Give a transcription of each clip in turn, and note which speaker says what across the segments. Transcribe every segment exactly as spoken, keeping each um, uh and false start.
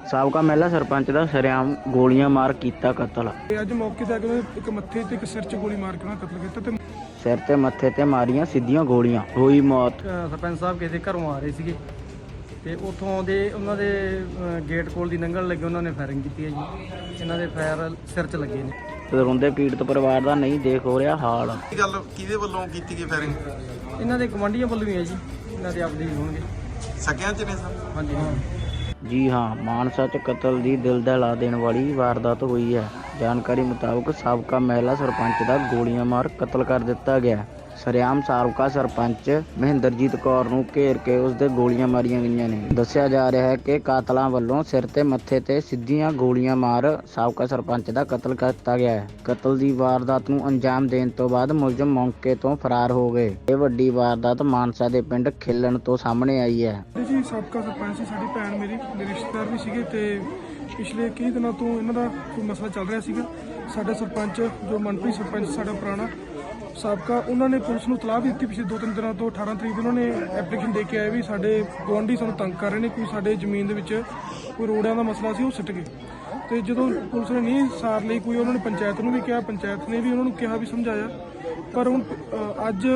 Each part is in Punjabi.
Speaker 1: ਸਾਬਕਾ ਮਹਿਲਾ ਸਰਪੰਚ ਦਾ ਸ਼ਰੇਆਮ ਗੋਲੀਆਂ ਮਾਰ ਕੀਤਾ ਕਤਲ।
Speaker 2: ਅੱਜ ਮੌਕੇ ਤੇ ਅਗਲੇ ਇੱਕ ਮੱਥੇ ਤੇ ਇੱਕ ਸਿਰ 'ਚ ਗੋਲੀ ਮਾਰ ਕੇ ਉਹਨਾਂ ਕਤਲ ਕੀਤਾ ਤੇ
Speaker 1: ਸਿਰ ਤੇ ਮੱਥੇ ਤੇ ਮਾਰੀਆਂ ਸਿੱਧੀਆਂ ਗੋਲੀਆਂ, ਹੋਈ ਮੌਤ।
Speaker 3: ਸਰਪੰਚ ਸਾਹਿਬ ਕਿਸੇ ਦੇ ਘਰੋਂ ਆ ਰਹੇ ਸੀਗੇ ਤੇ ਉੱਥੋਂ ਦੇ ਉਹਨਾਂ ਦੇ ਗੇਟ ਕੋਲ ਦੀ ਲੰਘਣ ਲੱਗੇ ਉਹਨਾਂ ਨੇ ਫਾਇਰਿੰਗ ਕੀਤੀ ਹੈ ਜੀ। ਇਹਨਾਂ ਦੇ ਫਾਇਰ ਸਿਰ 'ਚ ਲੱਗੇ ਨੇ
Speaker 1: ਤੇ ਰੋਂਦੇ ਪੀੜਤ ਪਰਿਵਾਰ ਦਾ ਨਹੀਂ ਦੇਖ ਹੋ ਰਿਹਾ ਹਾਲ।
Speaker 4: ਕੀ ਗੱਲ ਕਿਹਦੇ ਵੱਲੋਂ ਕੀਤੀ ਗਈ ਫਾਇਰਿੰਗ?
Speaker 3: ਇਹਨਾਂ ਦੇ ਗਵਾਂਢੀਆਂ ਵੱਲੋਂ ਹੀ ਹੈ ਜੀ, ਇਹਨਾਂ ਦੇ ਆਪਦੇ ਹੀ ਹੋਣਗੇ।
Speaker 4: ਸਕਿਆਂ ਚ ਨੇ ਸਰ?
Speaker 3: ਹਾਂਜੀ ਹਾਂ
Speaker 1: ਜੀ ਹਾਂ, ਮਾਨਸਾ 'ਚ ਕਤਲ ਦੀ ਦਿਲ ਦਹਿਲਾ ਦੇਣ ਵਾਲੀ ਵਾਰਦਾਤ ਹੋਈ ਹੈ। ਜਾਣਕਾਰੀ ਮੁਤਾਬਕ ਸਾਬਕਾ ਮਹਿਲਾ ਸਰਪੰਚ ਦਾ ਗੋਲੀਆਂ ਮਾਰ ਕਤਲ ਕਰ ਦਿੱਤਾ ਗਿਆ। ਸ਼ਰੇਆਮ ਸਾਬਕਾ ਸਰਪੰਚ ਮਹਿੰਦਰਜੀਤ ਕੌਰ ਨੂੰ ਘੇਰ ਕੇ ਉਸ ਦੇ ਗੋਲੀਆਂ ਮਾਰੀਆਂ ਗਈਆਂ ਨੇ। ਦੱਸਿਆ ਜਾ ਰਿਹਾ ਹੈ ਕਿ ਕਾਤਲਾਂ ਵੱਲੋਂ ਸਿਰ ਤੇ ਮੱਥੇ ਤੇ ਸਿੱਧੀਆਂ ਗੋਲੀਆਂ ਮਾਰ ਸਾਬਕਾ ਸਰਪੰਚ ਦਾ ਕਤਲ ਕਰ ਦਿੱਤਾ ਗਿਆ ਹੈ। ਕਤਲ ਦੀ ਵਾਰਦਾਤ ਨੂੰ ਅੰਜਾਮ ਦੇਣ ਤੋਂ ਬਾਅਦ ਮੁਲਜ਼ਮ ਮੌਕੇ ਤੋਂ ਫਰਾਰ ਹੋ ਗਏ। ਇਹ ਵੱਡੀ ਵਾਰਦਾਤ ਮਾਨਸਾ ਦੇ ਪਿੰਡ ਖਿਲਣ ਤੋਂ ਸਾਹਮਣੇ ਆਈ ਹੈ।
Speaker 2: ਜੀ ਸਾਬਕਾ ਸਰਪੰਚ ਸੀ, ਸਾਡੀ ਭੈਣ ਮੇਰੀ ਮੇਰੇ ਰਿਸ਼ਤੇਦਾਰ ਵੀ ਸੀਗੇ ਤੇ ਪਿਛਲੇ ਕਈ ਦਿਨਾਂ ਤੋਂ ਇਹਨਾਂ ਦਾ ਕੋਈ ਮਸਲਾ ਚੱਲ ਰਿਹਾ ਸੀਗਾ। ਸਾਡਾ ਸਰਪੰਚ ਜੋ ਮਨਪ੍ਰੀਤ ਸਰਪੰਚ ਸਾਡਾ ਪੁਰਾਣਾ ਸਾਬਕਾ, ਉਹਨਾਂ ਨੇ ਪੁਲਿਸ ਨੂੰ ਤਲਾਹ ਦਿੱਤੀ ਪਿਛਲੇ ਦੋ ਤਿੰਨ ਦਿਨਾਂ ਤੋਂ। ਅਠਾਰਾਂ ਤਰੀਕ ਉਹਨਾਂ ਨੇ ਐਪਲੀਕੇਸ਼ਨ ਦੇ ਕੇ ਆਏ ਵੀ ਸਾਡੇ ਗੁਆਂਢੀ ਸਾਨੂੰ ਤੰਗ ਕਰ ਰਹੇ ਨੇ, ਕੋਈ ਸਾਡੇ ਜ਼ਮੀਨ ਦੇ ਵਿੱਚ ਕੋਈ ਰੋੜਿਆਂ ਦਾ ਮਸਲਾ ਸੀ ਉਹ ਸਿੱਟ ਗਏ। ਤੇ ਜਦੋਂ ਪੁਲਿਸ ਨੇ ਨਹੀਂ ਸਾਰ ਲਈ ਕੋਈ, ਉਹਨਾਂ ਨੇ ਪੰਚਾਇਤ ਨੂੰ ਵੀ ਕਿਹਾ, ਪੰਚਾਇਤ ਨੇ ਵੀ ਉਹਨਾਂ ਨੂੰ ਕਿਹਾ ਵੀ ਸਮਝਾਇਆ। ਪਰ ਹੁਣ ਅੱਜ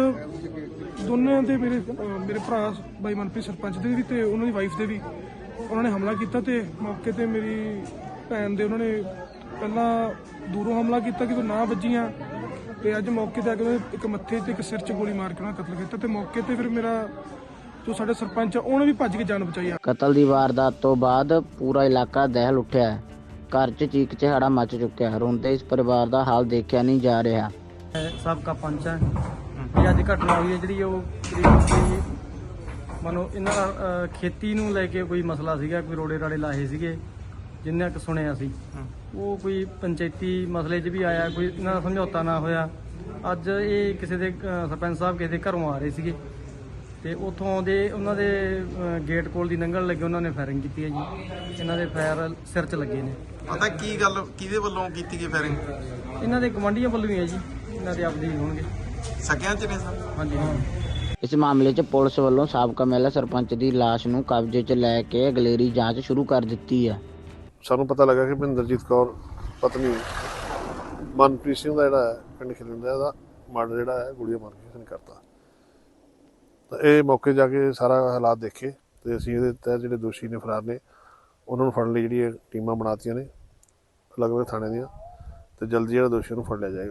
Speaker 2: ਦੋਨਾਂ ਦੇ ਮੇਰੇ ਮੇਰੇ ਭਰਾ ਬਾਈ ਮਨਪ੍ਰੀਤ ਸਰਪੰਚ ਦੇ ਵੀ ਤੇ ਉਹਨਾਂ ਦੀ ਵਾਈਫ ਦੇ ਵੀ ਉਹਨਾਂ ਨੇ ਹਮਲਾ ਕੀਤਾ ਤੇ ਮੌਕੇ ਤੇ ਮੇਰੀ ਭੈਣ ਦੇ ਉਹਨਾਂ ਨੇ ਪਹਿਲਾਂ ਦੂਰੋਂ ਹਮਲਾ ਕੀਤਾ ਕਿ ਨਾ ਵੱਜੀਆਂ ਤੇ ਅੱਜ ਮੌਕੇ ਤੇ ਅਗਲੇ ਇੱਕ ਮੱਥੇ ਤੇ ਇੱਕ ਸਿਰ 'ਚ ਗੋਲੀ ਮਾਰ ਕੇ ਉਹਨਾਂ ਕਤਲ ਕੀਤਾ। ਤੇ ਮੌਕੇ ਤੇ ਫਿਰ ਮੇਰਾ ਜੋ ਸਾਡਾ ਸਰਪੰਚ ਆ ਉਹਨੇ ਵੀ ਭੱਜ ਕੇ ਜਾਨ ਬਚਾਈ ਆ।
Speaker 1: ਕਤਲ ਦੀ ਵਾਰਦਾਤ ਤੋਂ ਬਾਅਦ ਪੂਰਾ ਇਲਾਕਾ ਦਹਿਲ ਉੱਠਿਆ ਹੈ। ਘਰ 'ਚ ਚੀਕ ਚਿਹਾੜਾ ਮਚ ਚੁੱਕਿਆ ਹੈ। ਰੋਂਦੇ ਇਸ ਪਰਿਵਾਰ ਦਾ ਹਾਲ ਦੇਖਿਆ ਨਹੀਂ ਜਾ ਰਿਹਾ।
Speaker 3: ਸਾਬਕਾ ਪੰਚ ਹੈ ਇਹ ਅੱਜ ਘਟਨਾ ਹੋਈ ਹੈ ਜਿਹੜੀ ਉਹ ਕਰੀਬ ਮਨੋ ਇਹਨਾਂ ਦਾ ਖੇਤੀ ਨੂੰ ਲੈ ਕੇ ਕੋਈ ਮਸਲਾ ਸੀਗਾ, ਕੋਈ ਰੋੜੇ ਰਾੜੇ ਲਾਹੇ ਸੀਗੇ ਜਿੰਨਾ ਕੁ ਸੁਣਿਆ ਸੀ। ਉਹ ਕੋਈ ਪੰਚਾਇਤੀ ਮਸਲੇ 'ਚ ਵੀ ਆਇਆ, ਕੋਈ ਇਹਨਾਂ ਦਾ ਸਮਝੌਤਾ ਨਾ ਹੋਇਆ। ਅੱਜ ਇਹ ਕਿਸੇ ਦੇ ਸਰਪੰਚ ਸਾਹਿਬ ਕਿਸੇ ਦੇ ਘਰੋਂ ਆ ਰਹੇ ਸੀਗੇ ਤੇ ਉੱਥੋਂ ਦੇ ਉਹਨਾਂ ਦੇ ਗੇਟ ਕੋਲ ਦੀ ਲੰਘਣ ਲੱਗੇ ਉਹਨਾਂ ਨੇ ਫਾਇਰਿੰਗ ਕੀਤੀ ਹੈ ਜੀ। ਇਹਨਾਂ ਦੇ ਫਾਇਰ ਸਿਰ 'ਚ ਲੱਗੇ ਨੇ।
Speaker 4: ਪਤਾ ਕੀ ਗੱਲ ਕਿਹਦੇ ਵੱਲੋਂ ਕੀਤੀ ਗਈ ਫਾਇਰਿੰਗ?
Speaker 3: ਇਹਨਾਂ ਦੇ ਗਵਾਂਢੀਆਂ ਵੱਲੋਂ ਹੀ ਹੈ ਜੀ, ਇਹਨਾਂ ਦੇ ਆਪਦੇ ਹੀ ਹੋਣਗੇ।
Speaker 4: ਸਕਿਆਂ ਚ ਨੇ ਸਰ? ਹਾਂਜੀ ਹਾਂ
Speaker 1: ਇਸ ਮਾਮਲੇ 'ਚ ਪੁਲਿਸ ਵੱਲੋਂ ਸਾਬਕਾ ਮਹਿਲਾ ਸਰਪੰਚ ਦੀ ਲਾਸ਼ ਨੂੰ ਕਬਜ਼ੇ 'ਚ ਲੈ ਕੇ ਅਗਲੇਰੀ ਜਾਂਚ ਸ਼ੁਰੂ ਕਰ ਦਿੱਤੀ ਹੈ।
Speaker 5: ਸਾਨੂੰ ਪਤਾ ਲੱਗਾ ਕਿ ਮਹਿੰਦਰਜੀਤ ਕੌਰ ਪਤਨੀ ਮਨਪ੍ਰੀਤ ਸਿੰਘ ਦਾ ਜਿਹੜਾ ਹੈ ਪਿੰਡ ਖਿਲਣ ਦਾ ਇਹਦਾ ਮਰਡਰ ਜਿਹੜਾ ਹੈ ਗੋਲੀਆਂ ਮਾਰ ਕੇ ਇਸਨੇ ਕਰਤਾ। ਤਾਂ ਇਹ ਮੌਕੇ ਜਾ ਕੇ ਸਾਰਾ ਹਾਲਾਤ ਦੇਖੇ ਤੇ ਅਸੀਂ ਇਹਦੇ ਤਹਿਤ ਜਿਹੜੇ ਦੋਸ਼ੀ ਨੇ ਫਰਾਰ ਨੇ ਉਹਨਾਂ ਨੂੰ ਫੜਨ ਲਈ ਜਿਹੜੀਆਂ ਟੀਮਾਂ ਬਣਾਤੀਆਂ ਨੇ ਅਲੱਗ ਅਲੱਗ ਥਾਣੇ ਦੀਆਂ ਤੇ ਜਲਦੀ ਜਿਹੜਾ ਦੋਸ਼ੀ ਨੂੰ ਫੜ ਲਿਆ ਜਾਏਗਾ।